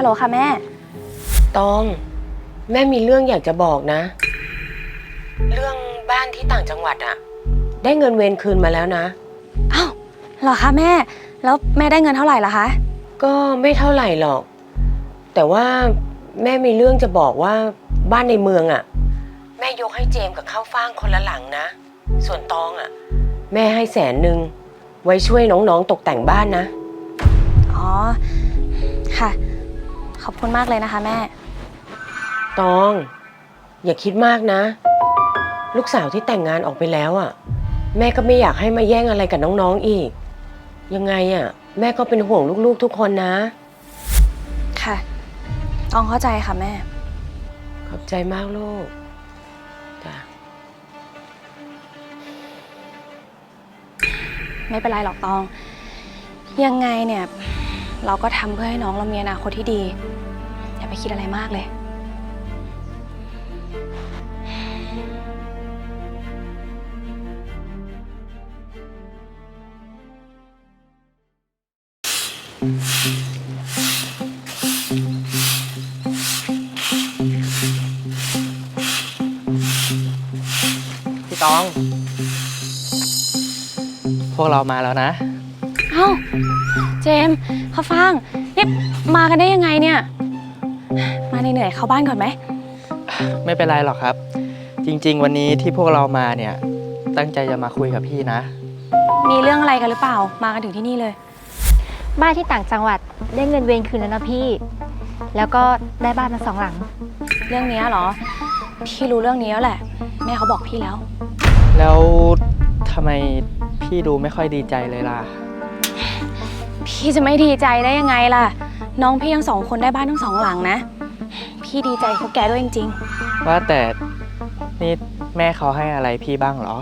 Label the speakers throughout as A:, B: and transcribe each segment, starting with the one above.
A: ลโหลค่ะแม่
B: ตองแม่มีเรื่องอยากจะบอกนะเรื่องบ้านที่ต่างจังหวัดอะได้เงินเวรคืนมาแล้วนะ
A: อ้าวเหรอคะแม่แล้วแม่ได้เงินเท่าไหร่ล่ะคะ
B: ก็ไม่เท่าไหร่หรอกแต่ว่าแม่มีเรื่องจะบอกว่าบ้านในเมืองอะแม่ยกให้เจมส์กับข้าวฟ่างคนละหลังนะส่วนตองอะแม่ให้100,000ไว้ช่วยน้องๆตกแต่งบ้านนะ
A: อ๋อค่ะขอบคุณมากเลยนะคะแม่
B: ตองอย่าคิดมากนะลูกสาวที่แต่งงานออกไปแล้วอ่ะแม่ก็ไม่อยากให้มาแย่งอะไรกับน้องๆอีกยังไงอ่ะแม่ก็เป็นห่วงลูกๆทุกคนนะ
A: ค่ะต้องเข้าใจค่ะแม่
B: ขอบใจมากลูกจ้ะ
A: ไม่เป็นไรหรอกตองยังไงเนี่ยเราก็ทำเพื่อให้น้องเรามีอนาคตที่ดีอย่าไปคิดอะไรมากเลย
C: พี่ตอง พวกเรามาแล้วนะ
A: เอ้าเจมส์ข้าวฟ่างนี่มากันได้ยังไงเนี่ยมาเหนื่อยๆเข้าบ้านก่อนไหม
C: ไม่เป็นไรหรอกครับ จริงๆวันนี้ที่พวกเรามาเนี่ยตั้งใจจะมาคุยกับพี่นะ
A: มีเรื่องอะไรกันหรือเปล่ามากันถึงที่นี่เลย
D: บ้านที่ต่างจังหวัดได้เงินเวรคืนแล้วนะพี่แล้วก็ได้บ้านมา2 หลัง
A: เรื่องนี้เหรอพี่รู้เรื่องนี้แล้วแหละแม่เขาบอกพี่แล้ว
C: แล้วทำไมพี่ดูไม่ค่อยดีใจเลยล่ะ
A: พี่จะไม่ดีใจได้ยังไงล่ะน้องพี่ทั้ง2 คนได้บ้านทั้ง2 หลังนะพี่ดีใจพวกแกด้วยจริง
C: ๆว่าแต่นี่แม่เขาให้อะไรพี่บ้างเหรอ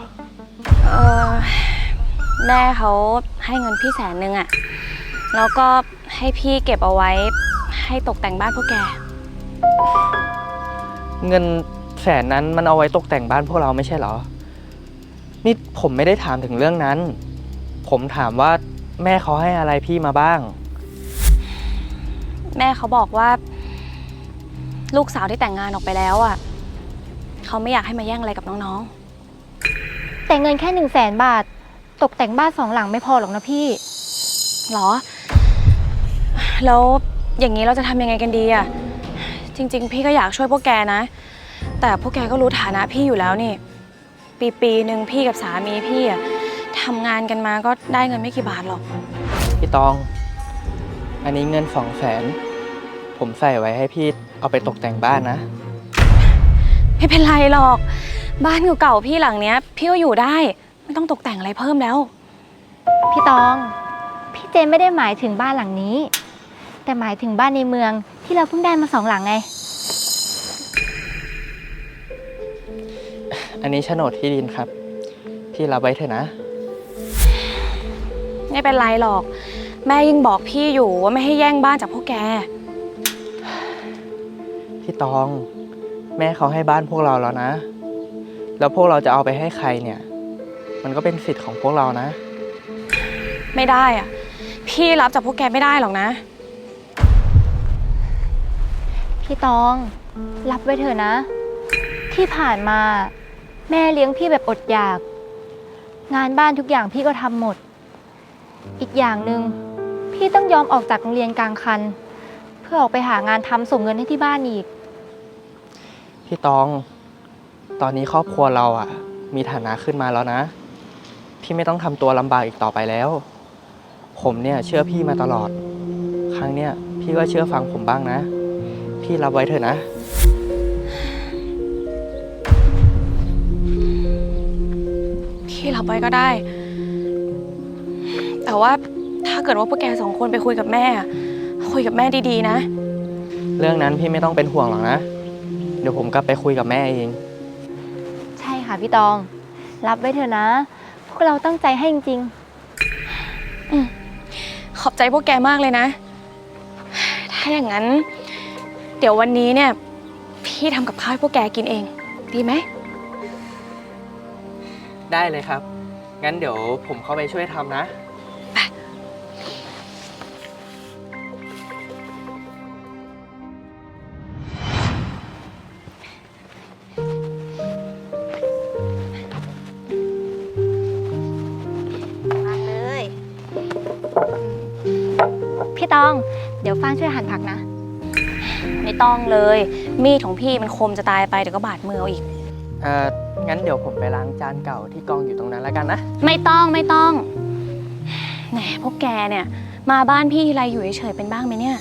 A: แม่เขาให้เงินพี่100,000อะแล้วก็ให้พี่เก็บเอาไว้ให้ตกแต่งบ้านพวกแก
C: เงิน100,000นั้นมันเอาไว้ตกแต่งบ้านพวกเราไม่ใช่เหรอนี่ผมไม่ได้ถามถึงเรื่องนั้นผมถามว่าแม่เขาให้อะไรพี่มาบ้าง
A: แม่เขาบอกว่าลูกสาวที่แต่งงานออกไปแล้วอ่ะเขาไม่อยากให้มาแย่งอะไรกับน้อง
D: ๆแต่เงินแค่100,000 บาทตกแต่งบ้าน2 หลังไม่พอหรอกนะพี่
A: หรอแล้วอย่างนี้เราจะทำยังไงกันดีอ่ะจริงๆพี่ก็อยากช่วยพวกแกนะแต่พวกแกก็รู้ฐานะพี่อยู่แล้วนี่ปีหนึ่งพี่กับสามีพี่อ่ะทำงานกันมาก็ได้เงินไม่กี่บาทหรอก
C: พี่ตองอันนี้เงิน200,000ผมใส่ไว้ให้พี่เอาไปตกแต่งบ้านนะ
A: ไม่เป็นไรหรอกบ้านเก่าๆพี่หลังเนี้ยพี่ก็อยู่ได้ไม่ต้องตกแต่งอะไรเพิ่มแล้ว
D: พี่ตองพี่เจมไม่ได้หมายถึงบ้านหลังนี้แต่หมายถึงบ้านในเมืองที่เราเพิ่งได้มา2 หลังไง
C: อันนี้โฉนดที่ดินครับพี่รับไว้เถอะนะ
A: ไม่เป็นไรหรอกแม่ยิ่งบอกพี่อยู่ว่าไม่ให้แย่งบ้านจากพวกแก
C: พี่ตองแม่เขาให้บ้านพวกเราแล้วนะแล้วพวกเราจะเอาไปให้ใครเนี่ยมันก็เป็นสิทธิ์ของพวกเรานะ
A: ไม่ได้อะพี่รับจากพวกแกไม่ได้หรอกนะ
D: พี่ตองรับไว้เถอะนะที่ผ่านมาแม่เลี้ยงพี่แบบอดอยากงานบ้านทุกอย่างพี่ก็ทำหมดอีกอย่างหนึ่งพี่ต้องยอมออกจากโรงเรียนกลางคันเพื่อออกไปหางานทำส่งเงินให้ที่บ้านอีก
C: พี่ตองตอนนี้ครอบครัวเราอ่ะมีฐานะขึ้นมาแล้วนะพี่ไม่ต้องทำตัวลำบากอีกต่อไปแล้วผมเนี่ยเชื่อพี่มาตลอดครั้งเนี้ยพี่ก็เชื่อฟังผมบ้างนะพี่รับไว้เถอะนะ
A: พี่รับไว้ก็ได้แต่ว่าถ้าเกิดว่าพวกแก2 คนไปคุยกับแม่ดีๆนะ
C: เรื่องนั้นพี่ไม่ต้องเป็นห่วงหรอกนะเดี๋ยวผมกลับไปคุยกับแม่เอง
D: ใช่ค่ะพี่ตองรับไว้เถอะนะพวกเราตั้งใจให้จริง
A: ๆขอบใจพวกแกมากเลยนะถ้าอย่างนั้นเดี๋ยววันนี้เนี่ยพี่ทำกับข้าวให้พวกแกกินเองดีไหม
C: ได้เลยครับงั้นเดี๋ยวผมเข้าไปช่วยทำนะ
D: อง เดี๋ยวฟ้างช่วยหั่นผักนะ
A: ไม่ต้องเลย มีดของพี่มันคมจะตายไปเดี๋ยวก็บาดมือเอาอีก
C: งั้นเดี๋ยวผมไปล้างจานเก่าที่กองอยู่ตรงนั้นแล้วกันนะ
A: ไม่ต้องไม่ต้องแหมพวกแกเนี่ย มาบ้านพี่ทีไรอยู่เฉยๆเป็นบ้างไหมเนี่ย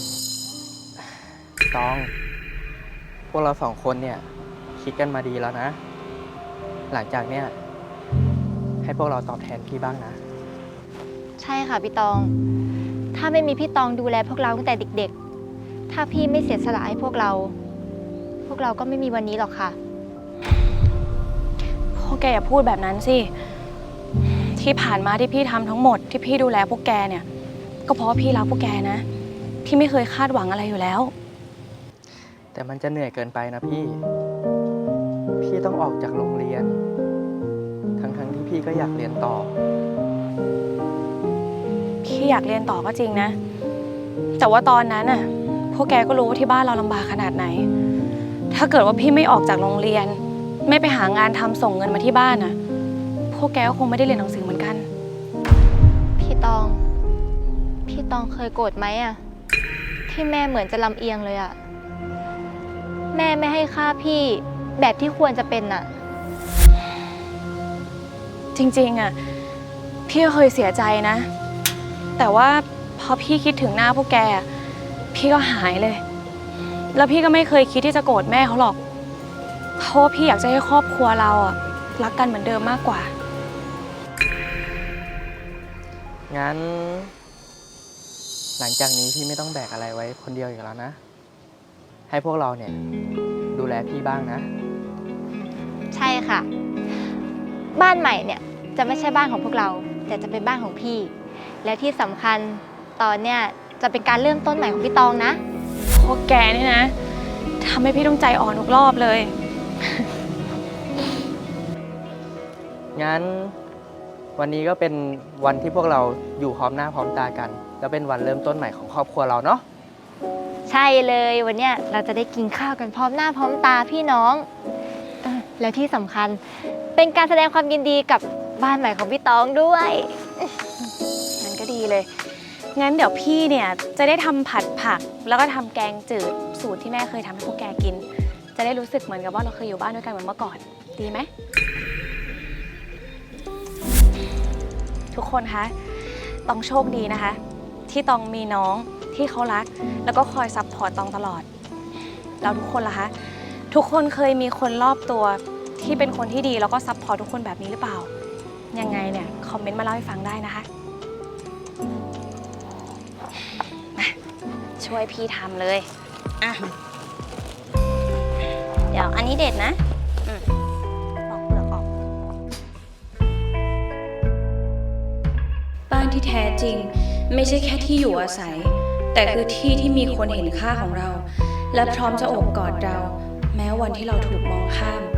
C: ตอง พวกเราสองคนเนี่ยคิดกันมาดีแล้วนะ หลังจากเนี่ยให้พวกเราตอบแทนพี่บ้างนะ
D: ใช่ค่ะพี่ตอง ถ้าไม่มีพี่ตองดูแลพวกเราตั้งแต่เด็กๆ ถ้าพี่ไม่เสียสละให้พวกเราก็ไม่มีวันนี้หรอกค่ะ
A: พวกแกอย่าพูดแบบนั้นสิ ที่ผ่านมาที่พี่ทำทั้งหมดที่พี่ดูแลพวกแกเนี่ย ก็เพราะว่าพี่รักพวกแกนะ พี่ไม่เคยคาดหวังอะไรอยู่แล้ว
C: แต่มันจะเหนื่อยเกินไปนะพี่ พี่ต้องออกจากโรงเรียน ทั้งที่พี่ก็อยากเรียนต่อ
A: พี่อยากเรียนต่อก็จริงนะ แต่ว่าตอนนั้นน่ะ พวกแกก็รู้ว่าที่บ้านเราลำบากขนาดไหน ถ้าเกิดว่าพี่ไม่ออกจากโรงเรียน ไม่ไปหางานทำส่งเงินมาที่บ้านน่ะ พวกแกก็คงไม่ได้เรียนหนังสือเหมือนกัน
D: พี่ตองเคยโกรธไหมอะที่แม่เหมือนจะลำเอียงเลยอะแม่ไม่ให้ค่าพี่แบบที่ควรจะเป็นอะ
A: จริงๆอ่ะพี่ก็เคยเสียใจนะ แต่ว่าพอพี่คิดถึงหน้าพวกแกอะพี่ก็หายเลย แล้วพี่ก็ไม่เคยคิดที่จะโกรธแม่เขาหรอกเพราะว่าพี่อยากจะให้ครอบครัวเราอ่ะรักกันเหมือนเดิมมากกว่า
C: งั้น หลังจากนี้พี่ไม่ต้องแบกอะไรไว้คนเดียวอีกแล้วนะ ให้พวกเราเนี่ยดูแลพี่บ้างนะ
D: ใช่ค่ะ บ้านใหม่เนี่ยจะไม่ใช่บ้านของพวกเรา แต่จะเป็นบ้านของพี่ แล้วที่สำคัญตอนเนี่ยจะเป็นการเริ่มต้นใหม่ของพี่ตองนะ
A: พวกแกนี่นะทำให้พี่ต้องใจอ่อนทุกรอบเลย
C: งั้นวันนี้ก็เป็นวันที่พวกเราอยู่พร้อมหน้าพร้อมตากัน แล้วเป็นวันเริ่มต้นใหม่ของครอบครัวเราเนาะ
D: ใช่เลยวันเนี้ยเราจะได้กินข้าวกันพร้อมหน้าพร้อมตาพี่น้องแล้วที่สำคัญเป็นการแสดงความยินดีกับบ้านใหม่ของพี่ตองด้วย
A: งั้นก็ดีเลย งั้นเดี๋ยวพี่เนี่ยจะได้ทำผัดผัก แล้วก็ทำแกงจืดสูตรที่แม่เคยทำให้พวกแกกิน จะได้รู้สึกเหมือนกับว่าเราเคยอยู่บ้านด้วยกันเหมือนเมื่อก่อน ดีไหม ทุกคนคะต้องโชคดีนะคะ ที่ตองมีน้องที่เขารัก แล้วก็คอยซัพพอร์ตตองตลอด แล้วทุกคนล่ะคะ ทุกคนเคยมีคนรอบตัวที่เป็นคนที่ดีแล้วก็ซัพพอร์ตทุกคนแบบนี้หรือเปล่า ยังไงเนี่ยคอมเมนต์มาเล่าให้ฟังได้นะคะมาช่วยพี่ทำเลยอ่ะเดี๋ยวอันนี้เด็ดนะปอกเปลือกออก บ้านที่แท้จริงไม่ใช่แค่ที่อยู่อาศัย แต่คือที่ที่มีคนเห็นค่าของเรา และพร้อมจะโอบกอดเรา แม้วันที่เราถูกมองข้าม